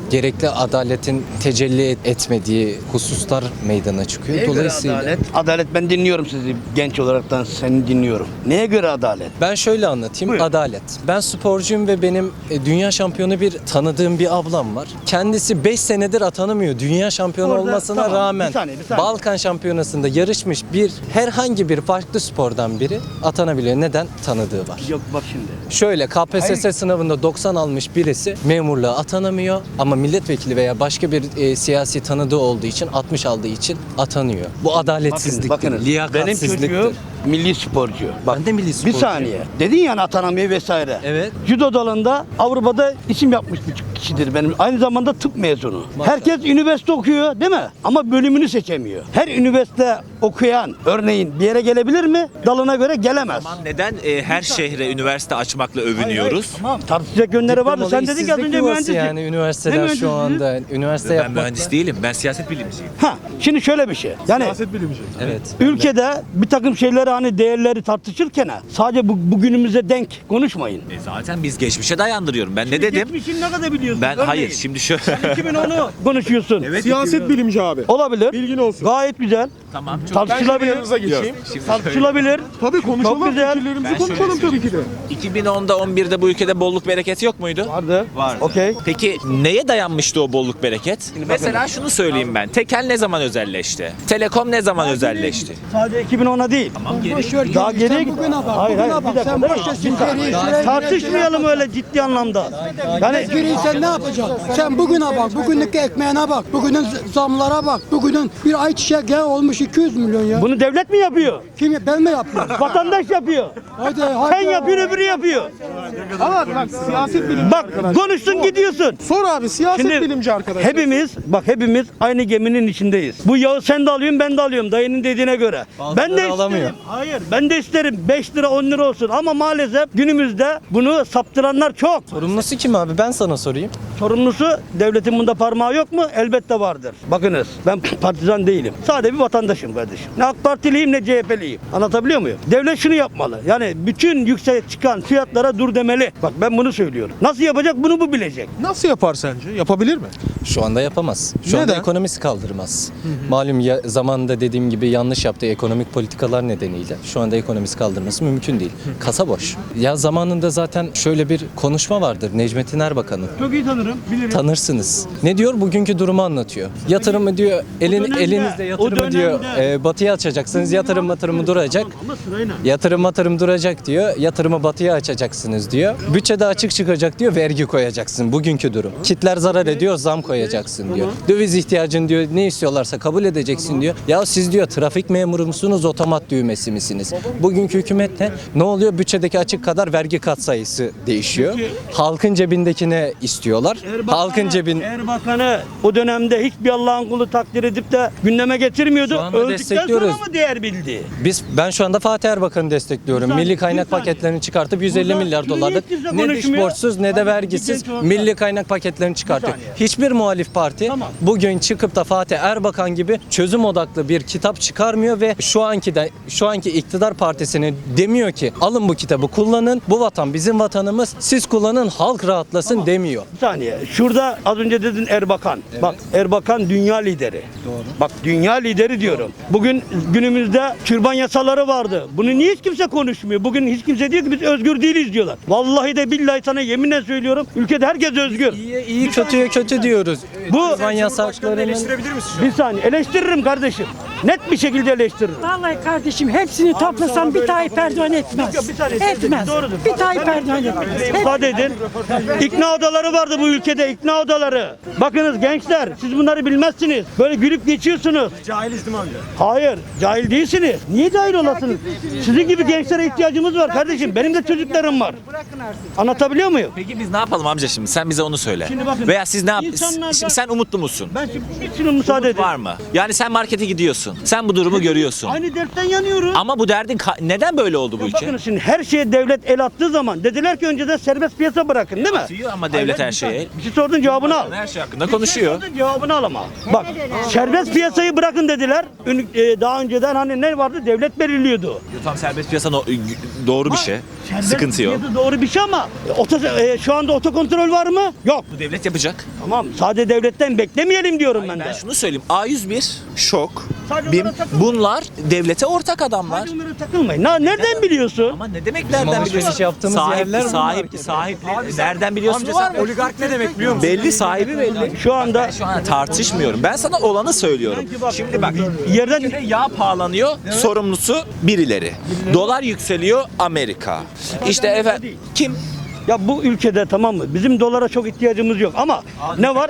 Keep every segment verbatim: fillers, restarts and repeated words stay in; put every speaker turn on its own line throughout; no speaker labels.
gerekli adaletin tecelli etmediği hususlar meydana çıkıyor.
Neye göre
Dolayısıyla
adalet? Adalet, ben dinliyorum sizi genç olaraktan, seni dinliyorum. Neye göre adalet?
ben şöyle anlatayım.
Buyurun.
Adalet. Ben sporcuyum ve benim e, dünya şampiyonu bir tanıdığım bir ablam var. Kendisi beş senedir atanamıyor. Dünya şampiyonu
Orada-
olmasına
tamam,
rağmen
bir saniye, bir saniye.
Balkan şampiyonasında yarışmış bir herhangi bir farklı spordan biri atanabiliyor. Neden? Tanıdığı var.
Yok bak şimdi.
Şöyle K P S S
Hayır.
sınavında doksan almış birisi memurluğa atanamıyor ama milletvekili veya başka bir e, siyasi tanıdığı olduğu için altmış aldığı için atanıyor. Bu adaletsizliktir,
Bakın, bakınız, benim
liyakatsizliktir.
çocuğum milli sporcu. Bak,
Ben de milli
bir
sporcuyum.
saniye. Dedin yani atanamıyor vesaire.
Evet.
Judo dalında Avrupa'da isim yapmış bir kişidir benim. Aynı zamanda tıp mezunu.
Maşallah.
Herkes üniversite okuyor değil mi? Ama bölümünü seçemiyor. Her üniversite okuyan örneğin bir yere gelebilir mi? Dalına göre gelemez.
Tamam, neden e, her şehre üniversite açmakla övünüyoruz?
Tamam. Tartışacak yönleri vardı. Sen dedin ki az
İşsizlik
önce
yuvası
mühendislik.
yani üniversiteler
Ne
şu
mühendisliği?
anda üniversite
Ben
yapmakta.
mühendis değilim, ben siyaset bilimciyim.
Ha, şimdi şöyle bir şey. Yani
Evet.
ülkede bir takım şeyleri hani değerleri tartışırken sadece bu, bugünümüze denk konuşmayın.
E zaten biz geçmişe dayandırıyorum. Ben ne dedim?
Geçmişin ne kadar biliyorsun?
Ben
Örneğin,
hayır şimdi şu
iki bin onu konuşuyorsun.
Siyaset bilimci abi.
Olabilir.
Bilgin olsun.
Gayet güzel.
tamam çok
Tartışılabilir.
Yanınıza geçeyim.
Tartışılabilir.
Tabii konuşalım.
Çok güzel.
Fikirlerimizi
Ben şöyle
konuşalım tabii ki de.
iki bin onda on birde bu ülkede bolluk bereket yok muydu?
Vardı.
Vardı.
Okey.
Peki neye dayanmıştı o bolluk bereket? Mesela şunu söyleyeyim ben. Tekel ne zaman özelleşti? Telekom ne zaman özelleşti?
Sadece iki bin ona değil.
Tamam geri.
Daha geriye git.
bugüne bak,
Hayır
bugüne
hayır.
bak.
Bir dakika.
Sen
bir
boş
dakika.
ver,
Bir dakika.
geriye şuraya-
Tartışmayalım öyle ciddi anlamda. Yani
Geriye sen ne yapacaksın? Sen bugüne bak, bugünlük ekmeğine bak, bugünün zamlara bak, bugünün bir ayçiçek yağı olmuş iki yüz milyon ya.
bunu devlet mi yapıyor?
Kim, ben mi yapıyorum?
Vatandaş yapıyor.
Hadi hadi.
Sen yapıyorsun öbürü yapıyor.
Ama bak siyaset bilimci
Bak
arkadaş.
konuştun gidiyorsun.
Sor abi siyaset
Şimdi
bilimci arkadaş.
hepimiz bak hepimiz aynı geminin içindeyiz. Bu yağı sen de alıyorsun ben de alıyorum dayının dediğine göre.
Bazıları
ben de
alamıyor.
isterim. Hayır ben de isterim beş lira on lira olsun ama maalesef günümüzde bunu saptıranlar çok.
Sorumlusu kim abi? Ben sana sorayım.
Sorumlusu devletin bunda parmağı yok mu? Elbette vardır. Bakınız ben partizan değilim. Sadece bir vatandaşım kardeşim. Ne AK Partiliyim ne C H P'liyim. Anlatabiliyor muyum? Devlet şunu yapmalı. Yani bütün yüksek çıkan fiyatlara dur demeli. Bak ben bunu söylüyorum. Nasıl yapacak bunu bu bilecek.
Nasıl yapar sence? Yapabilir mi?
Şu anda yapamaz. Şu anda
Neden?
ekonomisi kaldırmaz. Malum ya, zamanında dediğim gibi yanlış yaptığı ekonomik politikalar nedeniyle şu anda ekonomisi kaldırması mümkün değil. Kasa boş. Ya zamanında zaten şöyle bir konuşma vardır Necmettin Erbakan'ın.
Çok iyi tanırım. Bilirim.
Tanırsınız. Ne diyor? Bugünkü durumu anlatıyor. Yatırımı diyor, elin,
dönemde,
elinizde
o
yatırımı diyor,
dönemde.
e, batıya açacaksınız. Yatırım matırımı duracak.
Ama sırayla.
Yatırım matırım duracak diyor. Yatırımı batıya açacaksınız diyor. Bütçede açık çıkacak diyor. Vergi koyacaksın. Bugünkü durum. Kitler zarar ediyor. Zam koyacaksın diyor. Döviz ihtiyacın diyor. Ne istiyorlarsa kabul edeceksin diyor. Ya siz diyor trafik memuru musunuz? Otomat düğmesi misiniz? Bugünkü hükümette ne oluyor? Bütçedeki açık kadar vergi katsayısı değişiyor. Halkın cebindekine istiyorlar. Halkın cebin
Erbakan'ı o dönemde hiçbir Allah'ın kulu takdir edip de gündeme getirmiyordu.
Şu anda
Öldükten
destekliyoruz.
sonra mı değer bildi?
Biz ben şu anda Fatih Erbakan'ı destekliyorum.
Bir saniye,
Milli kaynak
bir saniye.
paketlerini çıkartıp yüz elli
Burada
milyar
şunu
dolarlık
niye kimse
ne dış
konuşmuyor?
borçsuz ne de
Hadi
vergisiz
genç olarak.
milli kaynak paketlerini çıkartıyor.
saniye.
Hiçbir muhalif parti
Tamam.
bugün çıkıp da Fatih Erbakan gibi çözüm odaklı bir kitap çıkarmıyor ve şu anki de şu anki iktidar partisine demiyor ki alın bu kitabı kullanın. Bu vatan bizim vatanımız. Siz kullanın halk rahatlasın demiyor.
Bir saniye. Şurada az önce dedin Erbakan. Bak Erbakan dünya lideri. Doğru. Bak dünya lideri diyorum. Bugün günümüzde türban yasaları vardı. Bunu niye hiç kimse konuşmuyor? Bugün hiç kimse diyor ki biz özgür değiliz diyorlar. Vallahi de billahi sana yeminle söylüyorum. Ülkede herkes özgür.
İyi, iyi kötüye kötü diyoruz.
Bu-
Türban yasaklarının
Bir saniye eleştiririm kardeşim. Net bir şekilde eleştiririm.
Vallahi kardeşim hepsini toplasam bir Tayyip Erdoğan etmez.
Yok, bir saniye.
Etmez.
Doğrudur.
Bir Tayyip Erdoğan etmez. Hep-
İfade edin. İkna odaları vardı bu ülkede, ikna odaları. Bakınız gençler, siz bunları bilmezsiniz. Böyle gülüp geçiyorsunuz.
Cahiliz değil mi amca?
Hayır, cahil değilsiniz. Niye cahil olasınız? Sizin gibi gençlere ihtiyacımız var kardeşim. Benim de çocuklarım var. Anlatabiliyor muyum?
Peki biz ne yapalım amca şimdi? Sen bize onu söyle.
Şimdi bakın,
Veya siz ne yap?
insanlardan-
Şimdi sen umutlu musun?
Ben şimdi bir şunu müsaade
Umut
edin.
var mı? Yani sen markete gidiyorsun. Sen bu durumu görüyorsun.
Aynı dertten yanıyoruz.
Ama bu derdin ka- neden böyle oldu bu ülke?
Bakın şimdi her şeye devlet el attığı zaman dediler ki önceden serbest piyasa bırakın değil mi?
Atıyor ama devlet her şeye el.
Bir şey sordun cevabını al.
Her şey hakkında
Bir şey
konuşuyor.
sordun, cevabını al ama. Bak serbest piyasayı bırakın dediler. Ün- e, Daha önceden hani ne vardı? Devlet belirliyordu.
Tam serbest piyasa no- doğru bir şey. Sıkıntı yok.
fiyatı doğru bir şey ama oto, e, şu anda otokontrol var mı? Yok.
Bu devlet yapacak.
Tamam. Sadece devletten beklemeyelim diyorum ben de.
Ben şunu söyleyeyim. A yüz bir, Şok,
Sadece
BİM
onlara takılma.
bunlar devlete ortak adamlar.
Hadi onlara takılmayın. Na, nereden biliyorsun?
Ama ne demek nereden
alışveriş
biliyorsun?
yaptığımız
sahip,
yerler bunlar
sahip,
ki.
sahip, nereden biliyorsun?
Oligark ne demek biliyor musun?
Belli, sahibi belli.
Şu anda
Şu an tartışmıyorum. Ben sana olanı söylüyorum. Şimdi bak,
yerden
ülkede yağ pahalanıyor, sorumlusu birileri. Dolar yükseliyor, Amerika. İşte efendim, kim?
ya bu ülkede tamam mı? Bizim dolara çok ihtiyacımız yok ama ne var?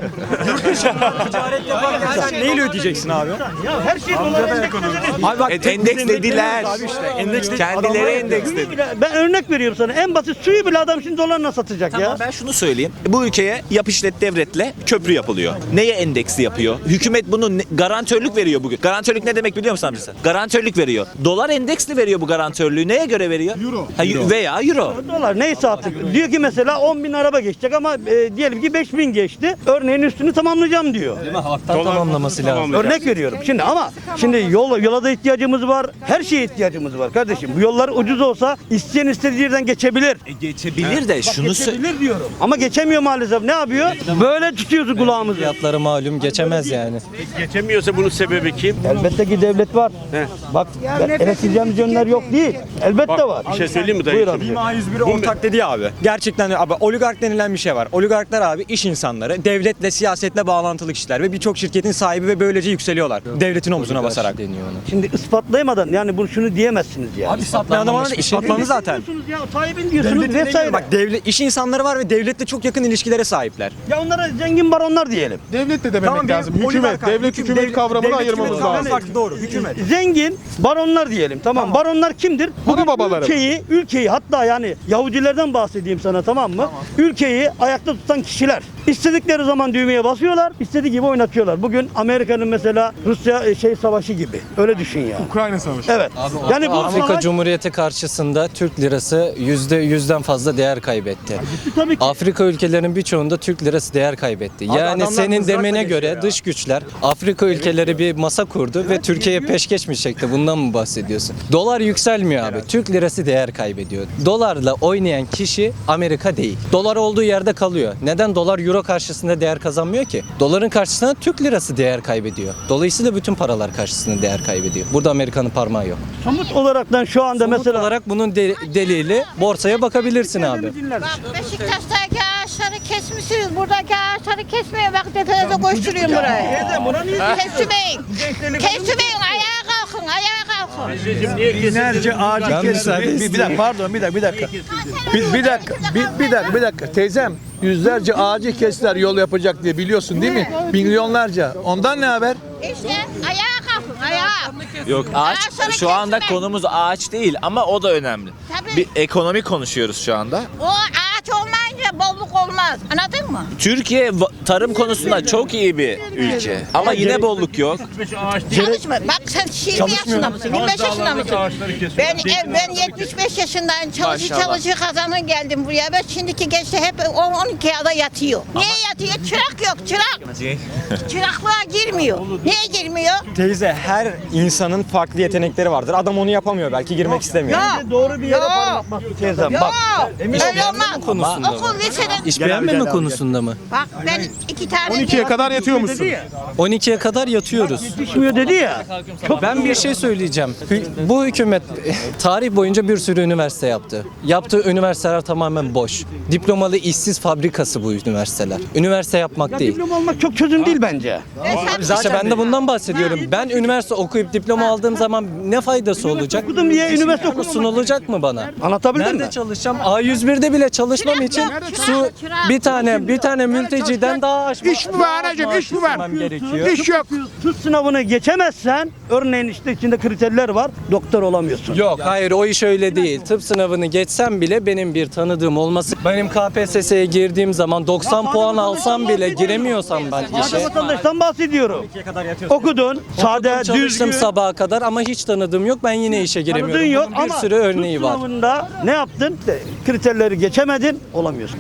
Sen neyle ödeyeceksin abi?
Ya her şey dolara
Abi bak
E, endekslediler. Kendileri endeksledi.
Ben örnek veriyorum sana. En basit suyu bile adam şimdi dolarla satacak
Tamam,
ya.
ben şunu söyleyeyim. Bu ülkeye yap işlet devletle köprü yapılıyor. Neye endeksli yapıyor? Hükümet bunu ne- garantörlük veriyor bugün. Garantörlük ne demek biliyor musun amca sen? Garantörlük veriyor. Dolar endeksli veriyor bu garantörlüğü. Neye göre veriyor? Euro. Ha, y- veya euro.
Dolar neyse artık. Diyor ki mesela on bin araba geçecek ama e, diyelim ki beş bin geçti. Örneğin üstünü tamamlayacağım diyor.
Halktan tamamlaması lazım.
Örnek veriyorum. Şimdi ama şimdi yol, yola da ihtiyacımız var. Her şeye ihtiyacımız var kardeşim. Bu yollar ucuz olsa isteyen istediği yerden geçebilir.
E, geçebilir de şunu sö-
Geçebilir diyorum. Ama geçemiyor maalesef. Ne yapıyor? Böyle tutuyoruz kulağımızı.
Fiyatları malum geçemez yani.
Geçemiyorsa bunun sebebi kim?
Elbette ki devlet var. Bak eleştireceğimiz yönler yok değil. Elbette var.
Bir şey söyleyeyim mi dayı?
Buyur abi.
A yüz bir ortak dedi ya abi. Gerçekten abi oligark denilen bir şey var. Oligarklar abi iş insanları, devletle, siyasetle bağlantılı kişiler ve birçok şirketin sahibi ve böylece yükseliyorlar. Devletin omzuna basarak.
Deniyor ona.
Şimdi ispatlayamadan yani bunu şunu diyemezsiniz yani.
Abi ispatlayan adamlar da
bir şey
ispatlandı zaten.
Diyorsunuz ya sahibin diyorsunuz
Devletin
vesaire.
bak devlet iş insanları var ve devletle çok yakın ilişkilere sahipler.
Ya onlara zengin baronlar diyelim.
Devlet de demek lazım. Hükümet, devlet hükümet kavramını ayırmamız lazım. Farklı doğru. Hükümet.
Zengin baronlar diyelim tamam. Baronlar kimdir?
Ana babaları.
Ülkeyi, ülkeyi hatta yani Yahudilerden bahsedeyim sana tamam mı? Ülkeyi ayakta tutan kişiler. İstedikleri zaman düğmeye basıyorlar, istediği gibi oynatıyorlar. Bugün Amerika'nın mesela Rusya e, şey savaşı gibi. Öyle düşün ya.
Ukrayna savaşı.
Evet. Yani bu
Afrika
savaş-
Cumhuriyeti karşısında Türk lirası yüzde yüzden fazla değer kaybetti.
tabii ki.
Afrika ülkelerinin birçoğunda Türk lirası değer kaybetti. Yani
adamlar
senin
mızrakla
demene
geçiyor
göre
ya.
dış güçler Afrika ülkeleri bir masa kurdu ve Türkiye'ye peşkeş mi çekti? Bundan mı bahsediyorsun? Dolar yükselmiyor abi. Türk lirası değer kaybediyor. Dolarla oynayan kişi Amerika değil. Dolar olduğu yerde kalıyor. Neden dolar euro karşısında değer kazanmıyor ki? Doların karşısında Türk lirası değer kaybediyor. Dolayısıyla bütün paralar karşısında değer kaybediyor. Burada Amerika'nın parmağı yok.
Somut olaraktan şu anda
Somut
mesela
olarak bunun de- delili borsaya bakabilirsin abi.
Bak Beşiktaş'taki ağaçları kesmişsiniz. Buradaki ağaçları kesmeyin. Bak tepenize koşturuyorum buraya. Kesmeyin. Kesmeyin. Ayağa kalkın. Ayağa kalkın.
Binlerce ağacı
Ben müsaade
Bir, bir dakika
istiyorum.
pardon bir dakika bir dakika. Bir, bir dakika bir, bir dakika bir dakika teyzem yüzlerce ağacı kestiler yol yapacak diye biliyorsun değil mi? Milyonlarca. Ondan ne haber?
İşte ayağa kalkın. Ayağa.
Yok ağaç
Ağaçları
şu anda
kesmeyin.
konumuz ağaç değil ama o da önemli.
Tabii.
Bir ekonomi konuşuyoruz şu anda.
O ağaç olmayınca bolluk olmaz. Anladın mı?
Türkiye va- tarım konusunda çok iyi bir ülke ama yine bolluk yok.
Çalışma. Bak sen yirmi yaşında mısın? yirmi beş yaşında mısın? Ben ev, ben yetmiş beş yaşındayım. Çalışı
Maşallah.
çalışı kazanır geldim buraya. Ben şimdiki gençler hep on on iki yılda yatıyor. Niye yatıyor? Çırak yok. Çırak. Çıraklığa girmiyor. Niye girmiyor?
Teyze her insanın farklı yetenekleri vardır. Adam onu yapamıyor belki girmek istemiyor.
Yok.
doğru bir yere
Yok.
parmak bastı teyzem.
Yok.
Bak
Öyle olmaz.
konusunda
Okul liseden.
İş beğenmeme konusunda mı?
Bak ben iki tane.
on ikiye kadar yatıyor musun?
on ikiye kadar yatıyoruz.
Yetişmiyor dedi ya.
Ben bir şey söyleyeceğim. Hü- Bu hükümet tarih boyunca bir sürü üniversite yaptı. Yaptığı üniversiteler tamamen boş. Diplomalı işsiz fabrikası bu üniversiteler. Üniversite yapmak değil.
Diploma almak çok çözüm değil bence.
İşte ben de bundan bahsediyorum. Ben üniversite okuyup diploma aldığım zaman ne faydası olacak?
Okudum diye üniversite
Bu
okumamak.
sunulacak mı bana?
Anlatabildim mi?
Nerede çalışacağım? A yüz bir'de bile çalışmam için su bir tane bir tane mülteciden daha aşma.
İş mi var anacığım, iş mi var?
istemem gerekiyor.
İş yok.
Tuz sınavını geçemezsen örneğin işte içinde kriterler var. Doktor olamıyorsun.
Yok hayır o iş öyle değil. Tıp sınavını geçsem bile benim bir tanıdığım olması. Benim K P S S'ye girdiğim zaman doksan puan alsam bile giremiyorsam ben
Sade
işe.
vatandaştan bahsediyorum. Okudun, sade,
Çalıştım
düzgün.
sabaha kadar ama hiç tanıdığım yok. Ben yine işe giremiyorum.
Tanıdığın yok
Bunun bir
ama
sürü örneği
tuz
var.
sınavında ne yaptın? İşte kriterleri geçemedin, olamıyorsun. Niye?
Kriterleri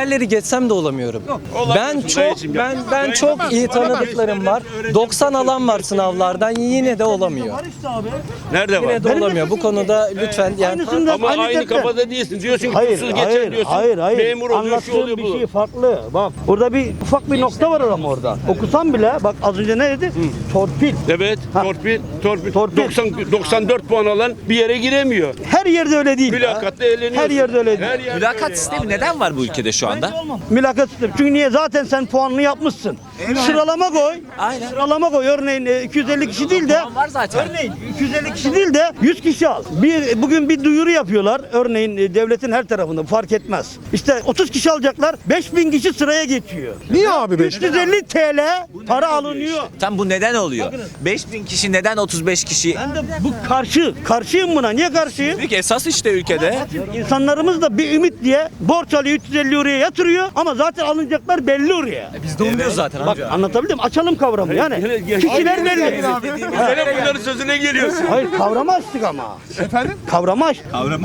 yerleri geçsem de olamıyorum. Ben çok ben ben çok iyi tanıdıklarım var. doksan alan var sınavlardan yine de olamıyor.
Nerede var?
Yine de olamıyor. Bu konuda lütfen yani
Aynısını da
Ama
aynı
aynı
tekte-
kafada değilsin. Diyorsun ki
Hayır,
tuzsuz geçer
hayır,
diyorsun.
hayır, hayır.
Memur oluyor, şu
Anlattığım
oluyor,
bir
bu.
şey farklı. Bak, orada bir ufak bir nokta var ama orada. Okusam bile, bak az önce ne dedi? Torpil.
Evet,
Ha.
torpil, torpil.
Torpil.
doksan, doksan dört puan alan bir yere giremiyor.
Her yerde öyle değil.
Mülakatta eğleniyorsun.
Her yerde öyle değil.
Her yerde
Mülakat
öyle.
sistemi neden var bu ülkede şu anda?
Mülakat sistemi. Çünkü niye? Zaten sen puanını yapmışsın. Sıralama koy.
Aynen.
Sıralama koy. Örneğin e, iki yüz elli kişi değil de
Puan var zaten.
Örneğin iki yüz elli kişi değil de yüz kişi al. Bir bugün bir duyuru yapıyorlar. Örneğin e, devletin her tarafında fark etmez. İşte otuz kişi alacaklar. beş bin kişi sıraya geçiyor.
Niye abi
üç yüz elli TL para alınıyor.
Tam bu neden oluyor? beş bin kişi neden otuz beş kişi?
Ben de bu karşı, karşıyım buna. Niye karşıyım?
Büyük esas işte ülkede.
İnsanlarımız da bir ümit diye borç alıyor üç yüz elli oraya yatırıyor ama zaten alınacaklar belli oraya.
Biz de umuyoruz zaten
Bak anlatabildim. Açalım kavramı yani. Kişiler belli.
Sen hep bunların sözüne geliyorsun.
Hayır kavramı açtık ama. Efendim? Kavramı açtık.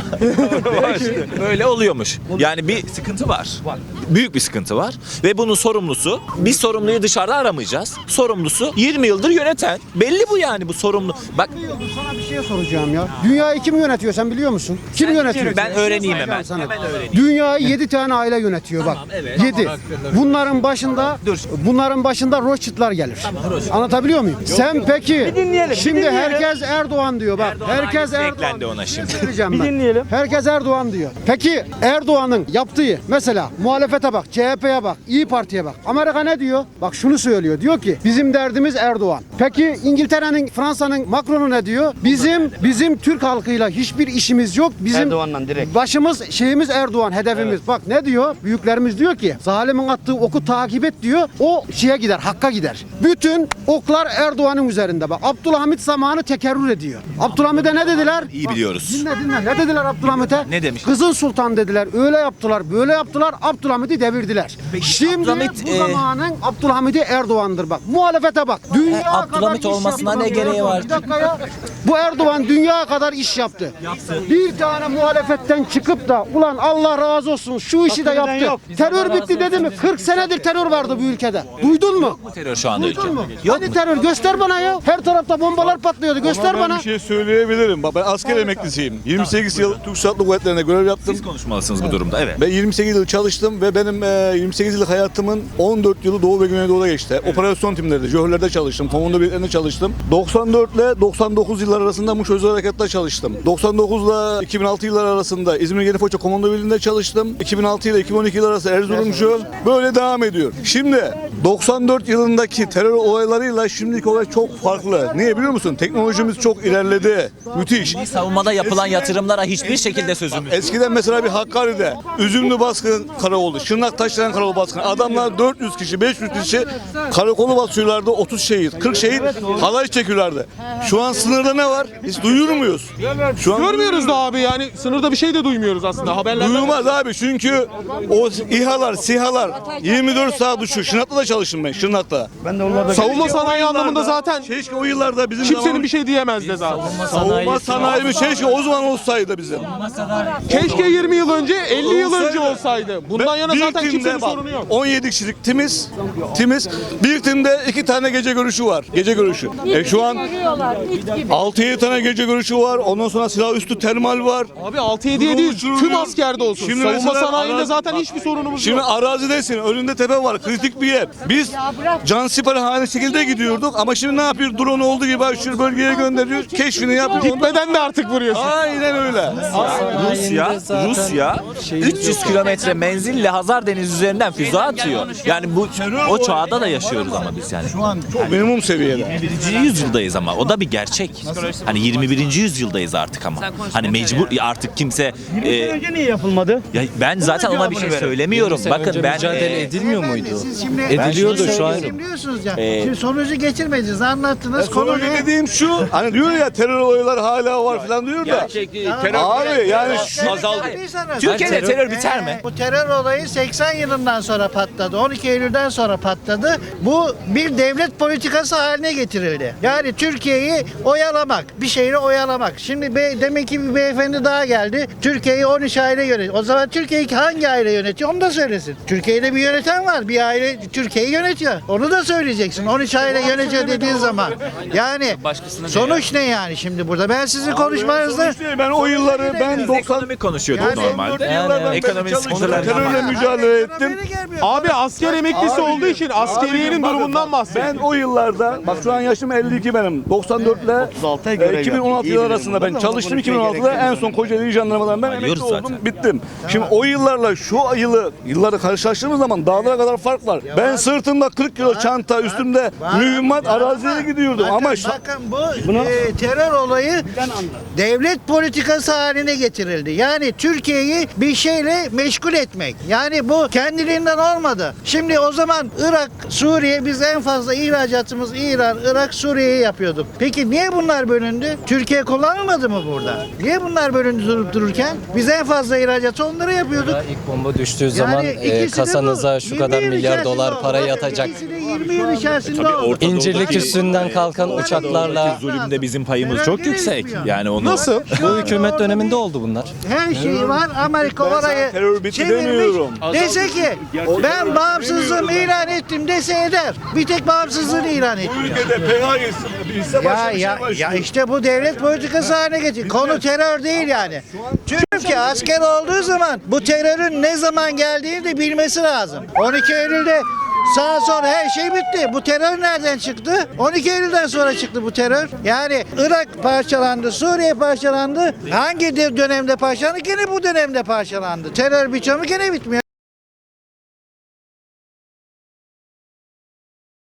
Böyle oluyormuş. Yani bir sıkıntı var. Büyük bir sıkıntı var. Ve bunun sorumlusu, biz sorumluyu dışarıda aramayacağız. Sorumlusu yirmi yıldır yöneten. Belli bu yani bu sorumlu. Bak
Sana bir şey soracağım ya. Dünyayı kim yönetiyor sen biliyor musun? Kim yönetiyor?
ben öğreneyim hemen.
Soracağım sana.
Hemen öğreneyim.
Dünyayı yedi tane aile yönetiyor bak. Yedi. Bunların başında
Dur.
bunların başında Rothschild'lar gelir. Anlatabiliyor muyum? Sen peki
dinleyelim, bir
şimdi
dinleyelim.
herkes Erdoğan diyor bak. herkes
hangisi
Erdoğan.
eklendi ona şimdi?
Söyleyeceğim
Bir
ben.
dinleyelim.
Herkes Erdoğan diyor. Peki Erdoğan'ın yaptığı mesela muhalefete bak, C H P'ye bak, İyi Parti'ye bak. Amerika ne diyor? Bak şunu söylüyor. Diyor ki bizim derdimiz Erdoğan. Peki İngiltere'nin, Fransa'nın Macron'u ne diyor? Bizim bizim Türk halkıyla hiçbir işimiz yok. Bizim
Erdoğan'la direkt.
başımız şeyimiz Erdoğan hedefimiz. Bak ne diyor? Büyüklerimiz diyor ki zalimin attığı oku takip et diyor. O şeye gider, hakka gider. Bütün oklar Erdoğan'ın üzerinde. Bak Abdülhamit zamanı tekerrür ediyor. Abdülhamit'e ne dediler?
İyi
Bak,
biliyoruz.
Dinle dinle. Ne dediler Abdülhamit'e?
Ne demiş?
Kızıl Sultan dediler. Öyle yaptılar, böyle yaptılar. Abdülhamit'i devirdiler. Şimdi
Abdülhamit,
bu
e,
zamanın Abdülhamit'i Erdoğan'dır bak. Muhalefete bak. Dünya
E, Abdülhamit
kadar iş
olmasına
yaptı.
ne gereği var?
Bir dakika ya. Bu Erdoğan dünya kadar iş yaptı. Bir tane muhalefetten çıkıp da ulan Allah razı olsun şu işi de
Hakkı
yaptı.
veren yok.
Terör bitti dedi mi? kırk senedir terör vardı bu ülkede. Duydun mu?
Terör şu anda ülke.
Duydun mu?
Yok
Hadi
mu?
terör göster bana ya. Her tarafta bombalar patlıyordu. Göster bana.
Bir şey söyleyebilirim. Bak ben asker emeklisiyim. yirmi sekiz yıl Türk Silahlı Kuvvetleri'nde görev yaptım.
Siz konuşmalısınız bu durumda. Evet.
Ben yirmi sekiz yıl çalıştım ve benim e, yirmi sekiz yıllık hayatımın on dört yılı Doğu ve Güneydoğu'da geçti. Operasyon timlerinde, Jöhörler'de çalıştım, komando birliklerinde çalıştım. doksan dört ile doksan dokuz yıllar arasında Muş Özel Harekat'ta çalıştım. doksan dokuz ile iki bin altı yıllar arasında İzmir Yenifoça Komando Birliği'nde çalıştım. iki bin altı ile iki bin on iki yıl arası Erzurumcu. Böyle devam ediyor. Şimdi doksan dört yılındaki terör olaylarıyla şimdiki olay çok farklı. Niye biliyor musun? Teknolojimiz çok ilerledi. Müthiş.
Savunmada yapılan yatırımlara hiçbir şekilde sözümüz yok.
Eskiden mesela bir Hakkari'de Üzümlü baskın karakoldu. Şırnak Taşdelen karakolu baskını. Adamlar dört yüz kişi, beş yüz kişi karakolu basıyorlardı. otuz şehit, kırk şehit halay çekiyorlardı. Şu an sınırda ne var? Hiç duyuyor muyuz? Şu an
Görmüyoruz da abi yani sınırda bir şey de duymuyoruz aslında haberlerden.
Duyulmaz abi çünkü o İHA'lar, SİHA'lar yirmi dört saat uçuyor. Şırnak'ta da çalıştım ben, Şırnak'ta.
Ben de onlarda
Savunma
Keşke o
sanayi
yıllarda-
anlamında zaten
Keşke o yıllarda bizim
kimsenin
zamanımız-
bir şey diyemez de zaten.
Savunma sanayimiz keşke o zaman olsaydı bizim.
Keşke yirmi yıl önce elli yıl önce olsaydı. Bundan
Ve
yana
bir
zaten
timde
kimsenin
bak,
sorunu yok.
on yedi kişilik timiz, timiz. Bir timde iki tane gece görüşü var. Gece görüşü. E şu an altı yedi tane gece görüşü var. Ondan sonra silah üstü termal var.
Abi altı yediye değil tüm askerde olsun.
Şimdi
Savunma
mesela
sanayinde
arazi-
zaten
bak,
hiçbir sorunumuz
Şimdi
yok.
arazidesin, önünde tepe var, kritik bir yer. Biz can siperhane şekilde gidiyorduk ama şimdi ne yapıyor? Drone olduğu gibi şu bölgeye gönderiyor, keşfini yapıyor.
Gitmeden de artık vuruyorsun.
Aynen öyle.
Rusya, Rusya üç yüz kilometre menzille Hazar Denizi üzerinden füze atıyor. Yani bu o çağda da yaşıyoruz ama biz yani.
Şu an çok minimum seviyede.
yirmi birinci yüzyıldayız ama o da bir gerçek. Hani yirmi birinci yüzyıldayız artık ama. Hani mecbur artık kimse e,
önce niye yapılmadı?
ya ben zaten ona bir şey söylemiyorum. Bakın ben
mücadele
e,
edilmiyor muydu?
Siz şimdi
Ediliyordu şu an.
diyorsunuz ya.
Ee,
Şimdi sonucu getirmediniz. Anlattınız. Konu
Konu
ne?
dediğim şu, hani diyor ya terör olayları hala var falan diyor da. Abi yani şu
azaldı.
Türkiye'de terör biter mi?
Ee, Bu terör olayı seksen yılından sonra patladı. on iki Eylül'den sonra patladı. Bu bir devlet politikası haline getirildi. Yani Türkiye'yi oyalamak
oyalamak. Bir şeyle oyalamak. Şimdi be, demek ki bir beyefendi daha geldi. Türkiye'yi on üç aile yönetiyor. O zaman Türkiye'yi hangi aile yönetiyor onu da söylesin. Türkiye'de bir yöneten var. Bir aile Türkiye'yi yönetiyor. Onu da söyleyeceksin. on üç aile yönetiyor dediğin zaman. Yani sonuç ne yani şimdi burada? Ben sizin konuşmanızda
Ben o yılları ben doksan
Ekonomi konuşuyorduk
Yani-
normalde.
yıllardan
Ekonomi
beri
sıkıntıları
çalıştım. Terörle mücadele ettim.
Abi asker emeklisi olduğu için askeriyenin
Bakın,
durumundan bahsediyor.
Ben o yıllarda, bak şu an yaşım elli iki benim. doksan dört ile iki bin on altı yılı arasında ben çalıştım. iki bin on altıda en son Kocaeli Jandarmadan ben emekli
Biliyoruz
oldum,
zaten.
bittim. Şimdi o yıllarla şu yılı, yılları karşılaştırdığımız zaman dağlara kadar fark var. Ben sırtımda kırk kilo çanta, üstümde mühimmat arazilere gidiyordum
bakın,
ama şu-
bakın bu e, terör olayı devlet politikası haline getirildi. Yani Türkiye'yi bir şeyle meşgul etmek. Yani bu kendiliğinden olmadı. Şimdi o zaman Irak, Suriye biz en fazla ihracatımız İran, Irak, Suriye'yi yapıyorduk. Peki niye bunlar bölündü? Türkiye kullanılmadı mı burada? Niye bunlar bölündü durup dururken? Biz en fazla ihracatı onlara yapıyorduk.
İlk bomba düştüğü zaman e,
ikisi de
kasanıza
bu.
şu
yirmi
kadar
yıl
milyar
içerisinde
dolar
oldu.
para
Bakın,
yatacak.
ikisi de yirmi yıl içerisinde oldu.
İncirlik üstünden kalkan uçaklarla
Zulümde bizim payımız
Terör
çok
nereye
yüksek.
gitmiyor?
Yani onu
Nasıl?
bu hükümet döneminde oldu bunlar.
Her şey var. Amerika orayı
terör bitti
çevirmiş.
demiyorum.
Dese ki ben bağımsızlığımı ilan ettim dese eder. Bir tek bağımsızlığını ilan etti.
ülkede P K K'yı bilse
Ya
başka bir
ya
şey
ya
başlıyor.
işte bu devlet politikası haline getirdi. Konu terör değil yani. Türkiye asker olduğu zaman bu terörün ne zaman geldiğini de bilmesi lazım. on iki Eylül'de sağ sol her şey bitti. Bu terör nereden çıktı? on iki Eylül'den sonra çıktı bu terör. Yani Irak parçalandı, Suriye parçalandı. Hangi de- dönemde parçalandı? Gene bu dönemde parçalandı. Terör biçimi gene bitmiyor.